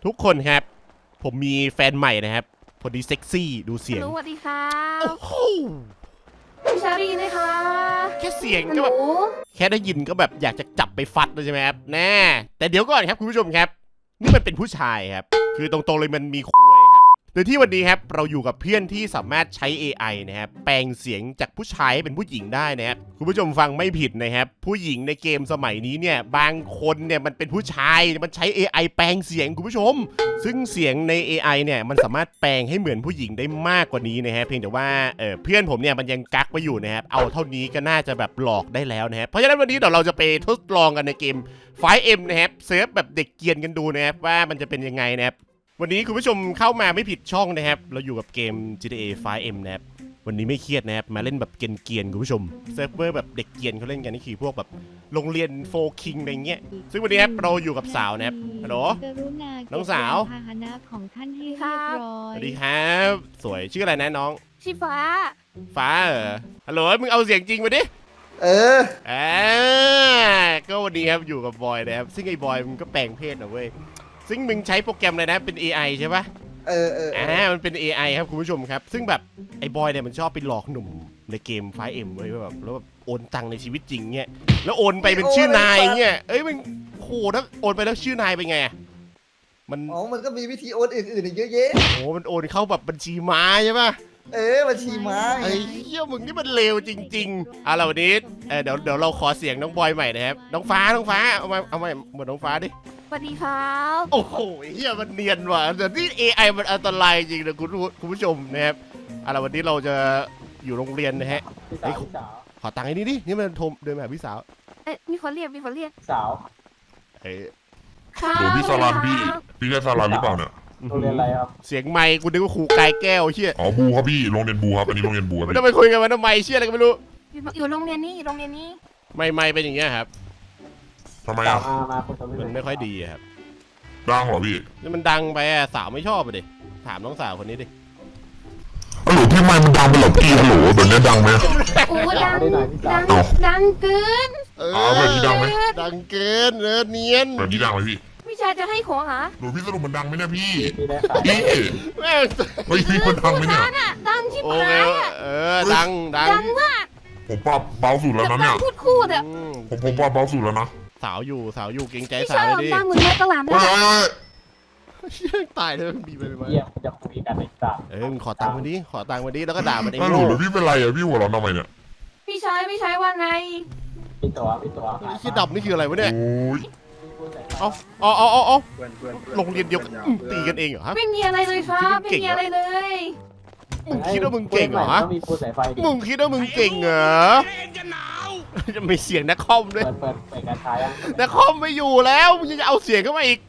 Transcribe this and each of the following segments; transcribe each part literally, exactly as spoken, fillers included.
ทุกคนครับผมมีแฟนใหม่นะครับพอดีเซ็กซี่ดูเสียงสวัสดีค่ะโอ้โหพี่ชาลีนะคะแค่เสียงหก็นูแบบแค่ได้ยินก็แบบอยากจะจับไปฟัดเลยใช่ไหมครับแน่แต่เดี๋ยวก่อนครับคุณผู้ชมครับนี่มันเป็นผู้ชายครับคือตรงๆเลยมันมีคุยครับโดยที่วันนี้ครับเราอยู่กับเพื่อนที่สามารถใช้ เอ ไอ นะครับแปลงเสียงจากผู้ชายให้เป็นผู้หญิงได้นะครับคุณผู้ชมฟังไม่ผิดนะครับผู้หญิงในเกมสมัยนี้เนี่ยบางคนเนี่ยมันเป็นผู้ชายมันใช้ เอ ไอ แปลงเสียงคุณผู้ชมซึ่งเสียงใน เอ ไอ เนี่ยมันสามารถแปลงให้เหมือนผู้หญิงได้มากกว่านี้นะฮะเพียงแต่ว่าเออเพื่อนผมเนี่ยมันยังกักไว้อยู่นะครับเอาเท่านี้ก็น่าจะแบบหลอกได้แล้วนะครับเพราะฉะนั้นวันนี้เดี๋ยวเราจะไปทดลองกันในเกม ไฟว์ เอ็ม นะครับเซิร์ฟแบบเด็กเกียนกันดูนะครับว่ามันจะเป็นยังไงนะครับวันนี้คุณผู้ชมเข้ามาไม่ผิดช่องนะครับเราอยู่กับเกม จี ที เอ ไฟว์ เอ็ม นะครับวันนี้ไม่เครียดนะครับมาเล่นแบบเกรียนๆคุณผู้ชมเซิร์ฟเวอร์แบบเด็กเกียนเขาเล่นกันนี่คือพวกแบบโรงเรียนโฟคิงอะไรเงี้ยซึ่งวันนี้ครับเราอยู่กับสาวนะครับฮัลโหลน้องสาวพาหนะของท่านให้เรียบร้อยสวัสดีครับสวยชื่ออะไรนะน้องชีฟ้าฟ้าเหรอฮัลโหลมึงเอาเสียงจริงมาดิเอออ่าก็วันนี้ครับอยู่กับบอยนะครับซึ่งไอ้บอยมึงก็แปลงเพศนะเว้ยซึ่งมึงใช้โปรแกรมอะไรนะเป็น เอ ไอ ใช่ปะเออเออเออ่าอมันเป็น เอ ไอ ครับคุณผู้ชมครับซึ่งแบบไอ้บอยเนี่ยมันชอบไปหลอกหนุ่มในเกม ไฟว์ เอ็ม เว้ยว่าแบบแล้วแบบโอนตังค์ในชีวิตจริงเงี้ยแล้วโอนไปเป็นชื่อนายเงี้ยเอ้ยมันโหถ้าโอนไปแล้วชื่อนายเป็นไงมันอ๋อ มันก็มีวิธีโอนอื่นๆอีกเยอะแยะโหมันโอนเข้าแบบบัญชีม้าใช่ปะเออบัญชีม้าไงไอ้เหี้ยมึงนี่มันเลวจริงๆอ่ะเราวันนี้เออเดี๋ยวเดี๋ยวเราขอเสียงน้องบอยใหม่นะครับน้องฟ้าน้องฟ้าเอามาเอามาเหมือนน้องฟ้าดิสวัสดีครับโอ้โหเฮียมันเนียนว่ะแต่ที่ เอ ไอ มันอันตรายจริงนะคุณคุณผู้ชมนะครับเอาล่ะวันนี้เราจะอยู่โรงเรียนนะฮะพี่สาวพี่สาวขอตังค์ไอ้นี่ดินี่มันโทรเดินมาหาพี่สาวเอ๊ะมีคนเรียกมีคนเรียกสาวเอ้ยค่ะโหพี่สลันสวัสดีพี่ครับพี่ใช่สลันหรือเปล่าเนี่ยโรงเรียนอะไรครับเสียงไมค์กูนึกว่าครูกายแก้วเฮียอ๋อบูครับพี่โรงเรียนบูครับอันนี้โรงเรียนบูครับไม่พี่ต้องไปคุยกันมันทำไมเชี่ยอะไรก็ไม่รู้อยู่อยู่โรงเรียนนี้อยู่โรงเรียนนี้ไม่ไม่เป็นอย่างเงี้ยครับทำไมสาวอ่ะมามาคุยกับพี่มันไม่ค่อยดีอะครับดังเหรอพี่นี่มันดังไปอะสาวไม่ชอบอะดิถามน้องสาวคนนี้ดิฮัลโหลพี่ไม่มันดังไปเหรอพี่ฮัลโหลแบบนี้ดังไหมโอ้ดังได้หน่อยพี่สาวดังดังเกินเออ๋อแบบนี้ดังไหมดังเกินเออเนียนแบบนี้ดังไหมพี่พี่ชายจะให้ของเหรอหนูพี่สรุปมันดังไหมเนี่ยพี่พี่ได้ขายพี่แม่งเฮ้ยพี่มันดังไหมเนี่ยดังอ่ะดังชิบโอหาเคยอ่ะเออดังดังดังมากผมปรับเบาสุดแล้วจะนะดัเนี่งยพูดคูดอ่ะอืมผมผมปรับเบาสุดแล้วนะสาวอยู่สาวอยู่เกรงใจพี่สาชาวย เลยดิดังเหมือนแม่ตลาดเฮ้นะยเฮ้ยเชี่ยตายเลยบีไปเลยมาเยี่ยมจะคุยกันในสาวเออมึงขอตังค์มาดิขอตังค์มาดิแล้วก็ด่ามันเองฮัลโหลโง่แล้วพี่เป็นไรอ่ะพี่หัวเราะทำไมเนี่ยพี่ชายพี่ชายว่าไงพี่ตัวพี่ตัวไอ้ขี้ดับนี่คืออะไรวะเนี่ยโอ้ยเอาเอาเอาเอาเอาโรงเรียนเดียวกันอืมตีกันเองเหรอฮะไม่มีอะไรเลยครับไม่มีอะไรเลยมึงคิดว่ามึงเก่งเหรอฮะต้องมีปูสายไฟดิมึงคิดว่ามึงเก่งเหรอจะมีเสียงนักคอมด้วยเปิดเปิดเปิดการใช้ยังนักคอมไม่อยู่แล้วมึงยังจะเอาเสียงเข้ามาอีก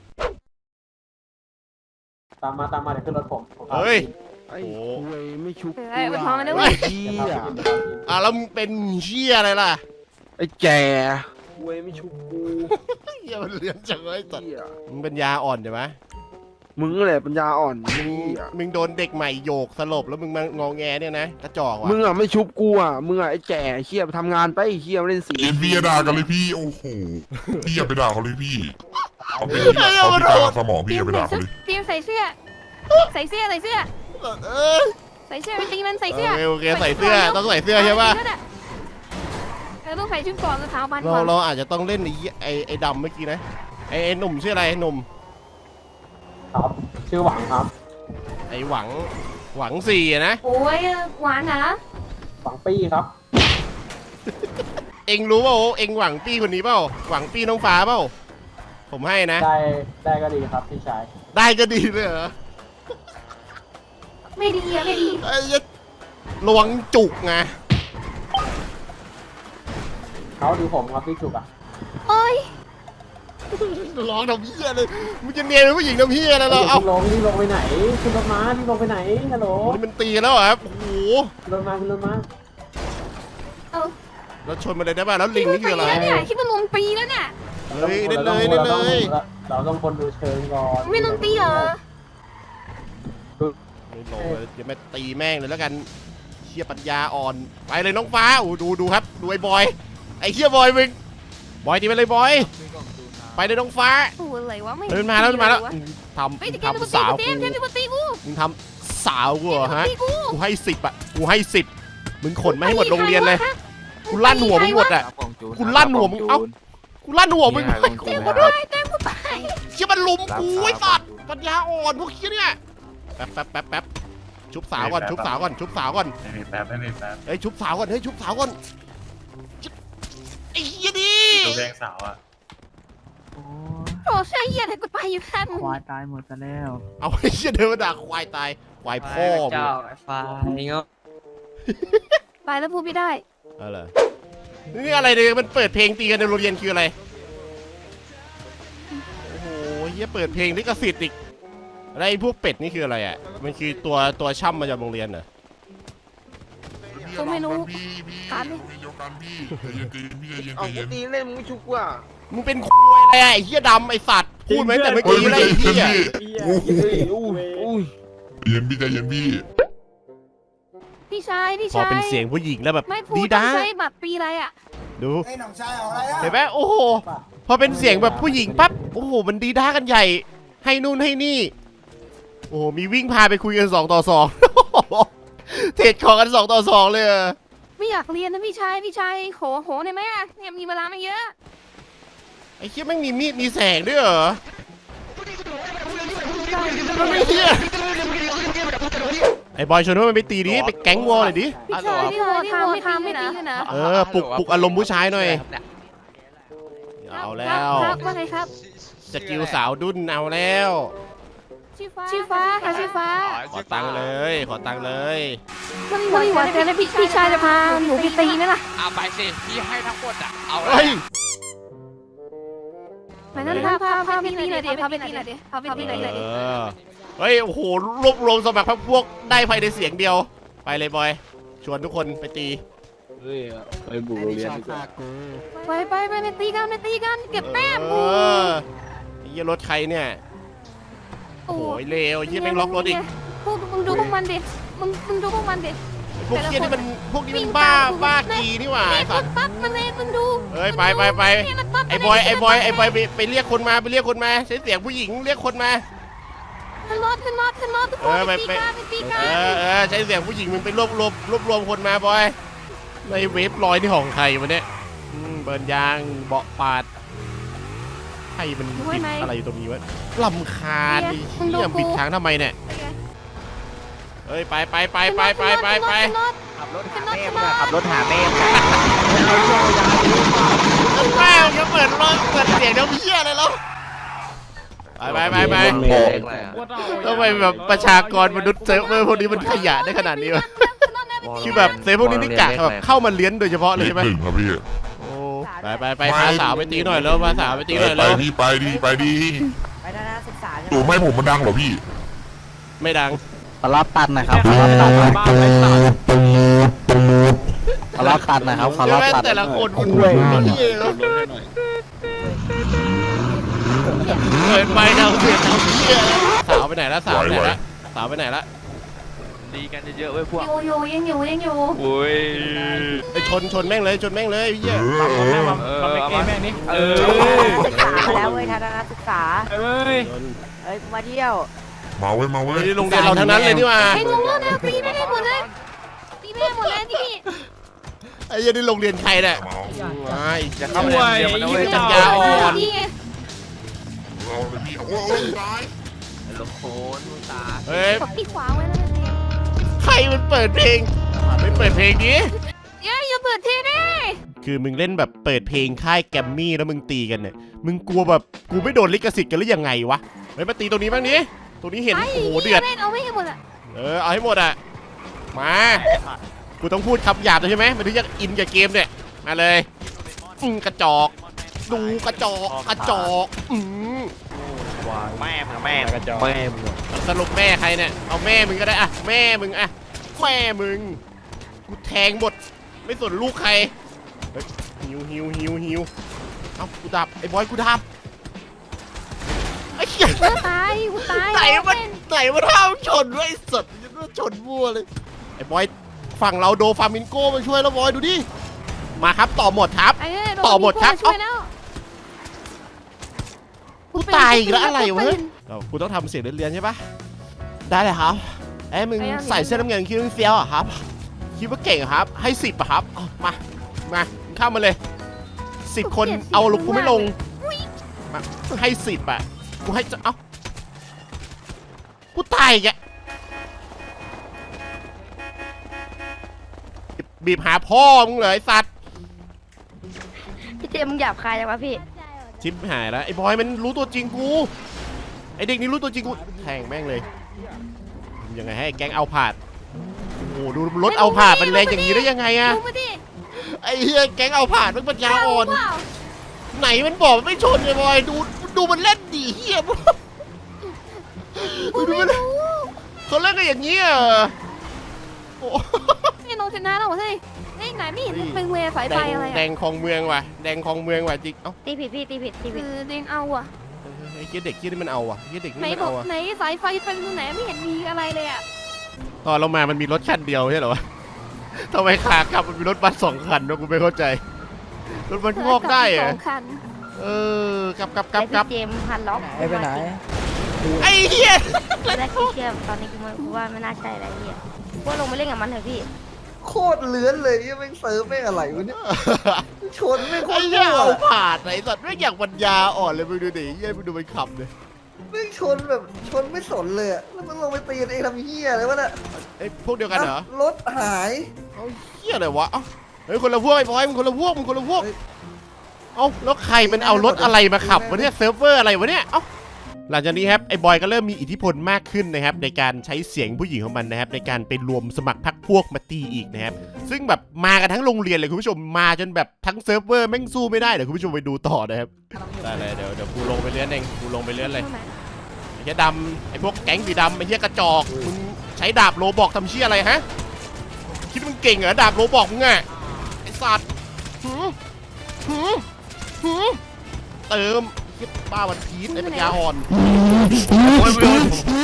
ตามมาตามมาเดี๋ยวขึ้นรถผมผมพาเฮ้ยไปโอ้โหไม่ชุบเออไปพร้อมกันด้วยเฮ้ยเฮีเดี๋ยวย พาไปกินเดี๋ยวพาไปกินอ่ะแล้วมึงเป็นเชี่ยอะไรล่ะไอ้แก่เว้ยไม่ชุบกูเชี่ยมันเลือนจังเลยสัตว์เฮียมึงเป็นยาอ่อนใช่ไหมมึงแหละปัญญาอ่อนมึงเฮียมึงโดนเด็กใหม่โยกสลบแล้วมึงมางอแงเนี่ยนะกระจอกว่ะมึงอ่ะไม่ชุบกูอ่ะมึงอ่ะไอ้แก่เฮียไปทำงานไปเฮียมาเล่นสีเอ็นพี่อย่าด่ากันเลยพี่โอ้โหพี่อย่าไปด่าเขาเลยพี่เขาเป็นเขาพิการสมองพี่อย่าไปด่าเขาเลยเตรียมใส่เสื้อ ใส่เสื้อใส่เสื้อเออใส่เสื้อไปตีมันใส่โอเสื้อเคโอเคใส่เสื้อต้องใส่เสื้อใช่ปะเออต้องใส่ชุดก่อนแล้วเท้าบันเราก่อนเราอาจจะต้องเล่นไอ้ไอ้ไอ้ดำเมื่อกี้นะไอ้ไอ้หนุ่มชื่ออะไรไอ้หนุ่มครับชื่อหวังครับไอ้หวังหวังสี่อะนะโอ้ยหวานนะหวังปี้ครับเอ็งรู้เปล่าเอ็งหวังปี้คนนี้เปล่าหวังปี้น้องฟ้าเปล่าผมให้นะได้ได้ก็ดีครับพี่ชายได้ก็ดีเลยเหรอไม่ดีอะไม่ดีไอ้ยะระวังจุกไงเขาดูผมครับพี่จุกอ่ะโอ้ยร้องทำเพี้ยเลยมึงจะเนียนเป็นผู้หญิงทำเพี้ยอะไรเราพี่เอ้าลงพี่ลงไปไหนขึ้นรถม้าพี่ลงไปไหนฮัลโหลนี่มันตีแล้วเหรอครับโอ้โหขึ้นรถม้าขึ้นรถม้าเอาเราชนมาเลยได้ป่ะแล้วลิงนี่คืออะไรปีแล้วเนี่ยคิดว่าลงปีแล้วเนี่ยเฮ้ยได้เลยได้เลยเราต้องคนดูเชิงก่อนไม่ลงปีเหรอไม่โหลเลยจะไม่ตีแม่งเลยแล้วกันเชี่ยปัญญาอ่อนไปเลยน้องฟ้าโอ้ดูดูครับดูไอ้บอยไอ้เชี่ยบอยมึงบอยตีไปเลยบอยไปในท้องฟ้าโอ้อะไรวะไม่เดินมาแล้วเดินมาแล้วเฮ้ยทำแต่แกเป็นคนทำสาวตีกูกูเต็มแกเป็นคนตีกูมึงทำสาวกูเหรอฮะตีกูกูให้สิบอ่ะกูให้สิบมึงขนมาให้หมดโรงเรียนเลยกูลั่นหัวมึงหมดอ่ะกูลั่นหัวมึงเอ้ากูลั่นหัวมึงเต็มกูด้วยเต็มกูไปเชี่ยมันลุมกูไอ้สัตว์ปัญญาอ่อนพวกเชี่ยเนี่ยแป๊บแป๊บแป๊บแป๊บชุบสาวก่อนชุบสาวก่อนชุบสาวก่อนไม่มีแป๊บไม่มีแป๊บเฮ้ยชุบสาวก่อนเฮ้ยชุบสาวก่อนไอ้เหี้ยดิตัวแดงสาวอ่ะโอ้ใช่เหี้ยอะไรกูไปอยู่ข้างควายตายหมดซะแล้วเอาไอ้เหี้ยเดินมาด่าควายตายควายพ่อมึงเจ้าไอ้ควายเงาไปแล้วพูดไม่ได้อะไรนี่อะไรเนี่ยมันเปิดเพลงตีกันในโรงเรียนคืออะไรโอ้โหเหี้ยเปิดเพลงลิขสิทธิ์อีกอะไรพวกเป็ดนี่คืออะไรอ่ะมันคือตัวตัวช่ำมาจากโรงเรียนเหรอกูไม่รู้พี่พี่การดิเดียวกันพี่ใจเย็นใจเย็นพี่ใจเย็นใจเอากูเย็นตีเล่นมึงไม่ชุกว่ะมึงเป็นคุยอะไรอะไอ้เหี้ยดำไอ้สัตว์พูดไหมแต่เมื่อโอ้ยกี้ไม่อะไรใจไอ้เย็นเหี้ยพี่โอ้โหอุ้ยอุ้ยใจเย็นพี่ใจเย็นพี่พี่ชายพี่พอชายเป็นเสียงผู้หญิงแล้วแบบไม่พูดีดต้อด้างใช้บัตรปีอะไรอ่ะดูเห็นไหมโอ้โหพอเป็นเสียงแบบผู้หญิงปั๊บโอ้โหมันดีด้ากันใหญ่ ให้นู่นให้นี่ โอ้โหมีวิ่งพาไปคุยกันสองต่อสอง เทรดของกันสองต่อสองเลยอะไม่อยากเรียนนะพี่ชายพี่ชายโหโหหน่อยไหมอ่ะเนี่ยมีเวลาไม่เยอะไอ้เหี้ยแม่งมีมีดมีแสงด้วยเหรอมันไม่เหี้ยไอ้บอยชวนว่ามันไปตีดิไปแก๊งวอลเลยดิพี่ชายที่โหทำไม่ทำไม่ตีนะเออปลุกปลุกอารมณ์ผู้ชายหน่อยเอาแล้วครับว่าไงครับสกิลสาวดุนเอาแล้วชื่อฟ้าชื่อฟ้าค่ะชื่อฟ้าขอตังค์เลย ขอตังค์เลยมันมีหวานใจแล้วพี่พี่ชายจะพาหนูไปตีไหมล่ะเอาไปสิพี่ให้ทั้งหมดอ่ะเอาเฮ้ยไปงั้นพาพาพาไปตีหน่อยดิพาไปตีหน่อยดิพาไปตีหน่อยดิเออเฮ้ย โอ้โห รวบรวมสมัครพรรคพวกได้ภายในเสียงเดียว ไปเลยบอย ชวนทุกคนไปตีเฮ้ยไปบุกโรงเรียนดีกว่าไปไปไปไปตีกันไปตีกันเก็บแต้มเออไอ้เหี้ยรถใครเนี่ย โอ้โหเลวไอ้เหี้ยแม่งล็อกรถอีกพวกมึงดูพวกมันดิมึงมึงดูพวกมันดิพวกเหี้ยนี่มัน พวกนี้มันบ้า บ้ากีนี่หว่าเล่ไอ้นสัตว์ปั๊บมันเล่นมึงดูเฮ้ย ไปไปไปไอ้บอย ไอ้บอย ไอ้บอยไปไปเรียกคนมา ไปเรียกคนมา ใช้เสียงผู้หญิงเรียกคนมาขึ้นรถขึ้นรถขึ้นรถทุกคเอน อไปไปตีไปกันไปตีกัเอน อเออใช้เสียงผู้หญิงมึงไปรวบรวมรวบรวมคนมาบอยในเวฟลอยที่ของใครวะเนี่ยอืมเบิร์นยางเบาะปาดใครมันบิดอะไรอยู่ตรงนี้วะลำคาญไอ้เหี้ยบิดทางทำไมเนี่ยเฮ้ยไปไปไปไปไปไปไปขึ้นรถขับรถขึ้หานรถแม่ขึ้นมึรง ถขับรถหาแม่มึงแม่งจะเปิดรถเปิดเสียงเดี๋ยวเพี้ยอะไรแล้วไปไปไปไปทำไมแบบประชากรมนุษย์เซิร์ฟเวอร์พวกนี้มันขยะได้ขนาดนี้วะคือแบบเซิร์ฟพวกนี้นี่กะแบบเข้ามาเลี้ยนโดยเฉพาะเลยเลขใช่ไหมหนึ่งครับพี่โอ้ไปไปไปพาสาวไปตีหน่อยแล้วพาสาวไปตีหน่อยไปแล้วพี่ไปดีไปดีไปทัศนศึกษาตัวไม่ผมมันดังเหรอพี่ไม่ดังขอรับตันนะครับขอรับตันบ้านไรสัตว์ขอรับตันนะครับขอใช่รับไหมตันแต่ละคนมันคุยเหี้ยแล้วเปิดไปดาวเสียงดาวเหี้ยสาวไปไหนละสาวไปไหนละสาวไปไหนละดีกันเยอะๆเว้ยพวกอยู่อยู่ยังอยู่ยังอยู่โอ้ยไปชนชนแม่งเลยชนแม่งเลยเหี้ยเออเออเออมาแม่นี่เออศึกษาแล้วเว้ยทัศนศึกษาเอ้ยชนเอ้ยมาเที่ยวมาเว้ยมาเว้ยนี่โรงเรียนเราทั้งนั้นเลยนี่หว่าไอ้งงแล้วนะตีไม่ได้หมดเลยตีไม่ได้หมดเลยนี่ไอ้เหี้ยนี่โรงเรียนใครเนี่ยมาเอาไอ้จะเข้าไปเรียนมันเอาไว้จัญญาอ่อนนี่ไงเอาเลยพี่โอ้โหตายลูกโคนตาเฮ้ยกดที่ขวาไว้แล้วนี่ใครมันเปิดเพลงไม่เปิดเพลงนี้เดี๋ยวอย่าเปิดทีนี่คือมึงเล่นแบบเปิดเพลงค่ายแกรมมี่แล้วมึงตีกันเนี่ยมึงกลัวแบบกูไม่โดนลิขสิทธิ์กันหรือยังไงวะเฮ้ยมาตีตรงนี้บ้างนี้ตรงนี้เห็นโอ้โหเดือดเล่นเอาไม่ให้หมดอ่ะเออเอาให้หมดอ่ะมากูต้องพูดคำหยาบเลยใช่ไหมมันถึงจะอินกับเกมเนี่ยมาเลยอืมกระจอกดูกระจอกกระจอกอืมแม่มึงแม่มึงแม่มึงสรุปแม่ใครเนี่ยเอาแม่มึงก็ได้อะแม่มึงอะแม่มึงกูแทงหมดไม่สนลูกใครเฮ้ยหิวหิวหิวหิวเอ้ากูดับไอ้บอยกูดับไอ้เหี้ยกูตายกูตายไหนมันไหนมันห้ามชนไว้สดมันชนมั่วเลยไอ้บอยฝั่งเราโดฟามินโก้มาช่วยแล้วบอยดูดิมาครับต่อหมดครับไอ้ต่อหมดครับช่วยแล้วกูตายอีกแล้วอะไรวะเรากูต้องทำเสียงเรียนๆใช่ปะได้เลยครับเอ้ยมึงใส่เสื้อน้ำเงินคิดว่าเฟี้ยวอ่ะครับคิดว่าเก่งครับให้สิบอ่ะครับมามาเข้ามาเลยสิบคนเอาลงกูไม่ลงมาให้สิบอ่ะกูให้จะเอ้ากูตายอีกอะบีบหาพ่อมึงเลยไอ้สัตว์พี่เจมมึงหยาบคายจังวะพี่ชิปหายแล้วไอ้บอยมันรู้ตัวจริงกูไอ้เด็กนี้รู้ตัวจริงกูแทงแม่งเลยยังไงให้แก๊งเอาผาดโอ้โหดูรถเอาผาดมันแรงอย่างนี้ได้ยังไงอะดูมาดิไอ้เฮียแก๊งเอาผาดมันปัญญาอ่อนไหนมันบอกไม่ชนไอ้บอยดูดูมันเล่นดีเฮียกูไม่รู้เขาเล่นกันอย่างนี้อ่ะโอ้นี่น้องชนะแล้วเฮ้ยไอ้ไหนไม่เห็นเป็นเวสายไฟอะไรแดอ่ะงคลองเมืองว่ะแดงคลองเมืองว่ะจริงเอ้าตีผิดพี่ตีผิดตีเอผิดอเดงเอาอ่ะไอ้เฮียเด็กเฮียนี่มันเอาอ่ะเฮียเด็กไหนนี่มันบอเอากอ่ะไหนสายไฟเป็นตรงไหนไม่เห็นมีอะไรเลยอ่ะตอนเรามามันมีรถคันเดียวใช่เหรอวะทำไมขากลับมันมีรถบัสสองคันวะกูไม่เข้าใจรถบัสงอกได้เหรสอองคันเออกลับกลับกลับกลับเจมพันล็อกไปไหนไอ้เหี้ยแรกที่เชื่อมตอนนี้กูไม่กูว่าไม่น่าใช่อะไรเหี้ยว่าลงไปเล่นกับมันเถอะพี่โคตรเลื้อนเลยยังไม่งเซิร์ฟไม่งอะไรวะเนี่ยชนไม่งโคไอ้ตรเหี้ยมั่วเอาผ่านไอ้สัตว์ไม่งอยากปัญญาอ่อนเลยมึงดูดิเหี้ยมึงดูมันขับเลยไม่งชนแบบชนไม่สนเลยอะแล้วมันลงไปตีกันเองทำเหี้ยอะไรวะเนี่ยไอ้พวกเดียวกันเหรออ่ะรถหายเอาเหี้ยอะไรวะเอ้าเฮ้ยคนละพวกไอ้บอยมึงคนละพวกมึงคนละพวกเฮ้ยเอ้าแล้วใครมันเอารถอะไรมาขับวะเนี่ยเซิร์ฟเวอร์อะไรวะเนี่ยเอ้าหลังจากนี้ครับไอ้บอยก็เริ่มมีอิทธิพลมากขึ้นนะครับในการใช้เสียงผู้หญิงของมันนะครับในการไปรวมสมัครพรรคพวกมาตีอีกนะครับซึ่งแบบมากันทั้งโรงเรียนเลยคุณผู้ชมมาจนแบบทั้งเซิร์ฟเวอร์แม่งสู้ไม่ได้เดี๋ยวคุณผู้ชมไปดูต่อนะครับได้เลยเดี๋ยวเดี๋ยวกูลงไปเลี้ยนเองกูลงไปเลี้ยนเลยตรงไหนไอ้เหี้ยดำไอ้พวกแก๊งสีดำไอ้เหี้ยกระจอกมึงใช้ดาบโลบอกทำเชี่ยอะไรฮะคิดมึงเก่งเหรอดาบโลบอกมึงอะไอ้สัตว์หืมหืมหืมเติมเหี้ยบ้าวันพีชไอ้ปัญญาอ่อนโอ้ยโอ้ย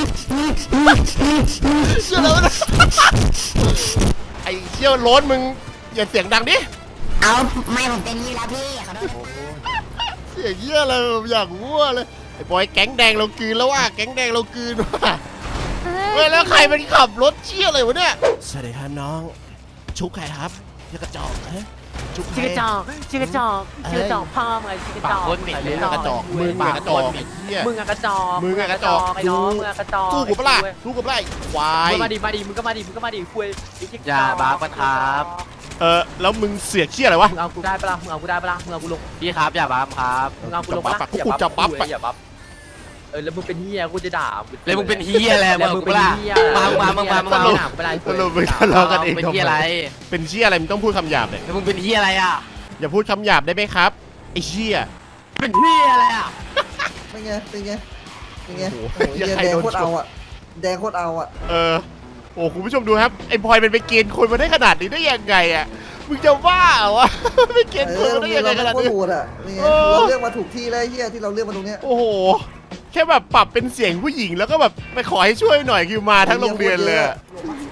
เชื่อแล้วนะไอ้เชี่ยวโล้นมึงอย่าเสียงดังดิเอาไม่ผมเป็นนี่แล้วพี่ขอโทษเสียงเยี่ยเลยผมอยากมั่วเลยไอ้บอยแก๊งแดงเรากลืนแล้วว่ะแก๊งแดงเรากลืนว่ะเฮ้ยแล้วใครมันขับรถเชี่ยอะไรวะเนี่ยสวัสดีครับน้องชุกใครครับเชี่ยกระจอกฮะชุกใครชื่อกระจอกชื่อกระจอกชื่อกระจอกพ่อมึงชื่อกระจอกคนหนีมึงอะกระจอกมึงอะกระจอกไอ้เหี้ยมึงอะกระจอกมึงอะกระจอกไอ้น้องมึงอะกระจอกสู้กูปะล่ะสู้กูปะล่ะไอ้ควายมึงมาดิมาดิมึงก็มาดิมึงก็มาดิคุยอย่าบ้าปะครับเออแล้วมึงเสียกเชี่ยอะไรวะมึงเอากูได้ปะล่ะมึงเอากูได้ปะล่ะมึงเอากูลงพี่ครับอย่าบ้าครับมึงเอากูลงปะล่ะพวกกูจะปั๊บอย่าบัฟเออแล้วมึงเป็นเฮียกูจะด่าแล้วมึงเป็นเฮียอะไรแล้วมึมึงงเป็นล่ะเฮียมามามามาสมารุมาปไปไล่สรุปมึงทะเลาะกันเองเป็นทำเฮียอะไรไมเป็นเชี่ยอะไรมึงต้องพูดคำหยาบเลยแล้วมึงเป็นเฮียอะไรอ่ะอย่าพูดคำหยาบได้ไหมครับไอ้เชี่ยเป็นเฮียอะไรอ่ะเป็นไงเป็นไงเป็นไงโอ้โอ้โหโหเหี้ยใครแดงโดนโคตรชเอานอะแดงโคตรเอาอะเออโอ้คุณผู้ชมดูครับไอ้บอยมันไปเกณฑ์คนมาได้ขนาดนี้ได้ยังไงอ่ะมึงจะบ้าเหรอวะ ไปเกณฑ์เอคนอมาได้ยังไงขนาดโคตนี้รโหดอะนี่ไงเออเราเลือกมาถูกที่แล้วไอ้เหี้ยที่เราเลือกมาตรงเนี้ยโอ้โหแค่แบบปรับเป็นเสียงผู้หญิงแล้วก็แบบไปขอให้ช่วยหน่อยคือมาทั้งโรงเรียนเลยอะ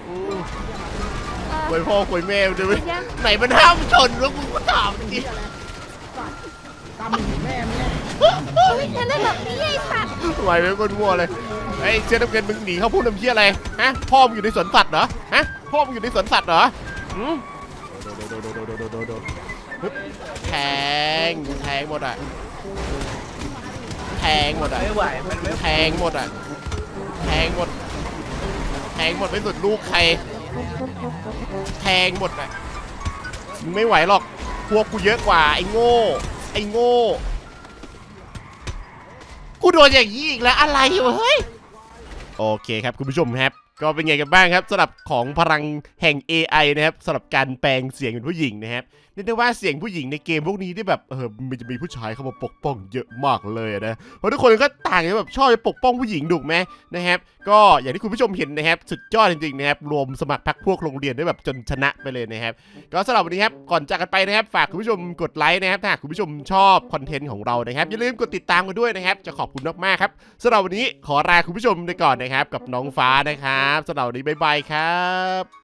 คุยพ่อคุยแม่ดูไหมไหนมันห้ามชนแล้วกูก็ถามจริงจะเล่นแบบนี้ไอ้สัตว์ไหวไหมคนมั่วเลยไอ้เสื้อน้ำเงินมึงหนีเข้าพูดน้ำเชี่ยอะไรฮะพ่อมึงอยู่ในสวนสัตว์เหรอฮะพ่อมึงอยู่ในสวนสัตว์เหรอหืมฮึบแทงแทงหมดอ่ะแทงหมดอ่ะไม่ไหวมันไม่แทงหมดอ่ะแทงหมดแทงหมดไม่สุดลูกใครแทงหมดอ่ะมึงไม่ไหวหรอกพวกกูเยอะกว่าไอ้โง่ไอ้โง่กูโดนอย่างนี้อีกแล้วอะไรวะเฮ้ยโอเคครับคุณผู้ชมครับก็เป็นไงกันบ้างครับสำหรับของพลังแห่ง เอ ไอ นะครับสำหรับการแปลงเสียงเป็นผู้หญิงนะครับเรียกได้ว่าเสียงผู้หญิงในเกมพวกนี้ที่แบบเออมันจะมีผู้ชายเข้ามาปกป้องเยอะมากเลยนะเพราะทุกคนก็ต่างกันแบบชอบปกป้องผู้หญิงถูกไหมนะครับก็อย่างที่คุณผู้ชมเห็นนะครับสุดยอดจริงๆนะครับรวมสมัครพรรคพวกโรงเรียนได้แบบจนชนะไปเลยนะครับก็สำหรับวันนี้ครับก่อนจากกันไปนะครับฝากคุณผู้ชมกดไลค์นะครับถ้าหากคุณผู้ชมชอบคอนเทนต์ของเรานะครับอย่าลืมกดติดตามกันด้วยนะครับจะขอบคุณมากๆครับสำหรับวันนี้ขอลาคุณผู้ชมไปก่อนนะครับกับน้องฟ้านะครับสำหรับวันนี้บ๊ายบายครับ